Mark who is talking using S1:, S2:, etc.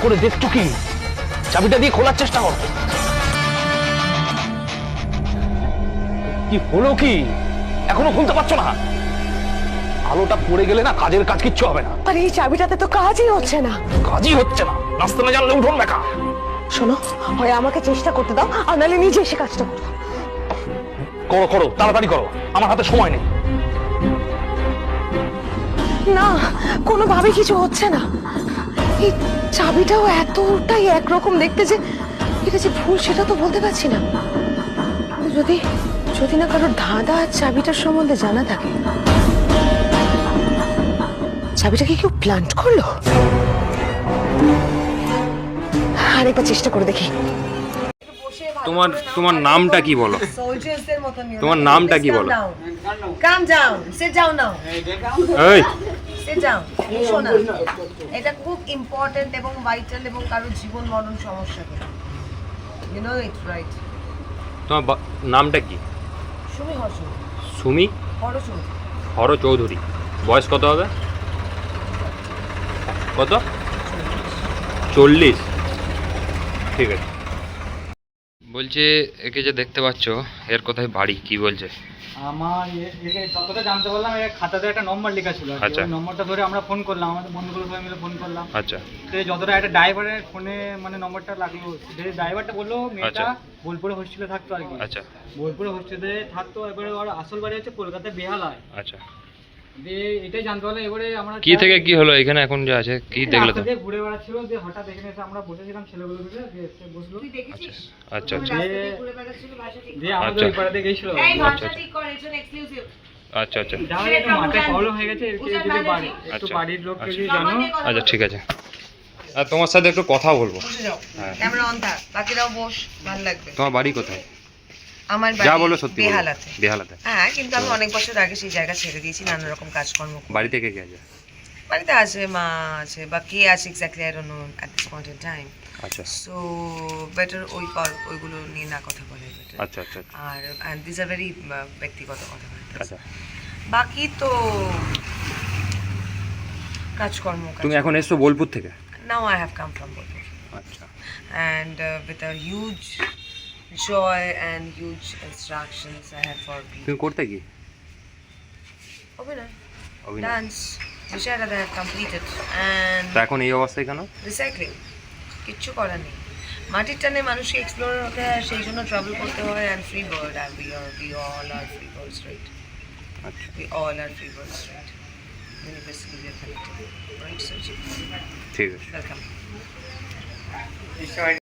S1: করে দেখছো কি? চাবিটা দিয়ে খোলার চেষ্টা করো। কি হলো কি? এখনো খুলতে পারছো না? আলোটা পড়ে গেলে না কাজের কাজ কিচ্ছু হবে না।
S2: আর এই চাবিটাতে তো কাজই হচ্ছে না।
S1: কাজই হচ্ছে না, নাচতে না জানলে উঠোন বেকা।
S2: শোনো, হয় আমাকে চেষ্টা করতে দাও, আর নাহলে নিজে এসে কাজটা করো।
S1: করো করো, তাড়াতাড়ি করো, আমার হাতে সময় নেই।
S2: না, কোনোভাবে কিছু হচ্ছে না। এই চাবিটাও এতটাই একরকম দেখতে যে এটা যে ভুল সেটা তো বলতে পারছি না। যদি যদি না কারোর ধাঁধা চাবিটার সম্বন্ধে জানা থাকে। চাবিটা কি কেউ প্ল্যান্ট করলো? আরেকবার চেষ্টা করে দেখি।
S3: তোমার নামটা কি বলো? তোমার নামটা কি বলো?
S4: Calm down. Sit down now.
S3: এই
S4: Sit down. শোনা, এটা খুব ইম্পর্টেন্ট এবং ভাইটাল এবং কারো জীবন মরণ সমস্যা করে। You know it, right?
S3: তোমার নামটা কি?
S4: সুমি হর্ষণ।
S3: সুমি
S4: হরচৌধুরী।
S3: হর চৌধুরী। বয়স কত হবে? কত? 40। ঠিক আছে। বলছে একে যে দেখতে পাচ্ছ এর কোথায় বাড়ি, কি বলছে?
S5: আমার একে যতটা জানতে পারলাম এর খাতাতে একটা নম্বর লেখা ছিল।
S3: আচ্ছা।
S5: ওই নম্বরটা ধরে আমরা ফোন করলাম, আমাদের বন্ধুগুলো সবাই মিলে ফোন করলাম।
S3: আচ্ছা।
S5: তো যতটা একটা ড্রাইভারের ফোনে মানে নম্বরটা লাগলো, যে ড্রাইভারটা বললো মেয়েটা বোলপুরে হোস্টেলে থাকতো আর কি।
S3: আচ্ছা।
S5: বোলপুরে হোস্টেলে থাকতো, এবারে ওর আসল বাড়ি হচ্ছে কলকাতায় বেহালায়।
S3: আচ্ছা।
S5: দিয়ে এটাই জানতে পারলাম। এবারে আমরা
S3: কি থেকে কি হলো এখানে এখন যে আছে, কি দেখলে তো?
S5: ঘুরে বেড়াচ্ছিল, যে হঠাৎ এখানে এসে আমরা বসেছিলাম ছেলেগুলো মিলে, দিয়ে এসে বসলো।
S4: তুই দেখেছিস?
S3: আচ্ছা আচ্ছা
S4: ঘুরে বেড়াচ্ছিল, ভাষা ঠিক
S5: দিয়ে আমাদের
S3: আচ্ছা।
S5: ওই পাড়াতে গেছিল।
S4: এই ভাষা ঠিক কর, এটা এক্সক্লুসিভ।
S3: আচ্ছা আচ্ছা
S5: যাওয়ার একটু মাথায় প্রবলেম হয়ে গেছে, এর যদি বাড়ি একটু
S3: আচ্ছা।
S5: বাড়ির লোককে
S3: আচ্ছা।
S5: যদি জানো।
S3: আচ্ছা ঠিক আছে। আর তোমার সাথে একটু কথা বলবো।
S4: বসে যাও।
S3: হ্যাঁ।
S4: ক্যামেরা অন থাক, বাকিরাও বস, ভালো লাগবে।
S3: তোমার বাড়ি কোথায়?
S4: আমার
S3: যা
S4: বাড়ি
S3: বলো সত্যি বলো।
S4: বেহালাতে।
S3: বেহালাতে।
S4: হ্যাঁ, কিন্তু আমি অনেক বছর আগে সেই জায়গা ছেড়ে দিয়েছি নানা রকম কাজকর্ম করে।
S3: বাড়ি থেকে কে আছে?
S4: বাড়িতে আছে, মা আছে, বা কে আছে exactly I don't know at this point in time.
S3: আচ্ছা
S4: সো বেটার ওইগুলো নিয়ে না কথা বলে better।
S3: আচ্ছা আচ্ছা
S4: আর দিস আর ভেরি ব্যক্তিগত কথা।
S3: আচ্ছা।
S4: বাকি তো কাজকর্ম।
S3: তুমি এখন এসছো বোলপুর থেকে?
S4: Now I have come from Bolpur
S3: আচ্ছা।
S4: and with a huge joy and huge instructions I have for people.
S3: তুমি করতে কি?
S4: অভিনয়,
S3: অভিনয়।
S4: dance, বিষয়টা I have completed and
S3: তা এখন এই অবস্থায় কেন?
S4: রিসাইক্লিং। কিচ্ছু করার নেই, মাটির টানে মানুষকে এক্সপ্লোর হতে হয়, সেই জন্য ট্রাভেল করতে হয়। অ্যান্ড ফ্রি বার্ড, আর we all are free birds, right?
S3: আচ্ছা।
S4: We all are free birds, right? Universally we are connected, right? So
S3: ঠিক আছে।
S4: welcome.